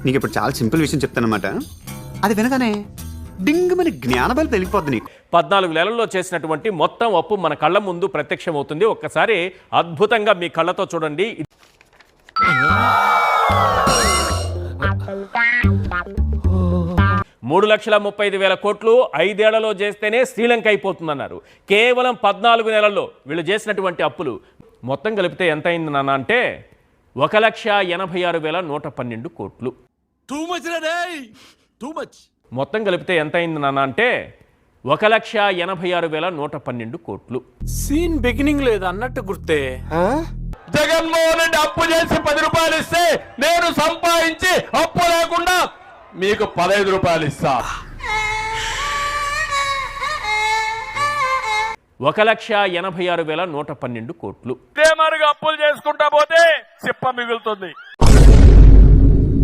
నీకు ఇప్పుడు చాలా సింపుల్ విషయం చెప్తానమాట. అది వినగానే డింగ్ మన జ్ఞానబలి తెలిగిపోద్ది నీకు. 14 నెలల్లో చేసినటువంటి మొత్తం అప్పు మన కళ్ళ ముందు ప్రత్యక్షమవుతుంది. ఒక్కసారి అద్భుతంగా మీ కళ్ళతో చూడండి. 3,35,000 కోట్లు 5 ఏళ్లలో చేస్తేనే శ్రీలంక అయిపోతుందన్నారు. కేవలం 14 నెలల్లో వీళ్ళు చేసినటువంటి అప్పులు మొత్తం కలిపితే ఎంత అయింది నాన్న అంటే 1,86,112 కోట్లు. మొత్తం కలిపితే ఎంత అయింది నాన్న అంటే 1,86,112 కోట్లు. సీన్ బిగినింగ్ లేదు అన్నట్టు గుర్తే. జగన్మోహన్ రెడ్డి అప్పు చేసి 10 రూపాయలు ఇస్తే నేను సంపాదించి అప్పు లేకుండా మీకు 15 రూపాయలు ఇస్తా. 1,86,112 కోట్లు. ఇదే మరిగా అప్పులు చేసుకుంటా పోతే చిప్ప మిగులుతుంది.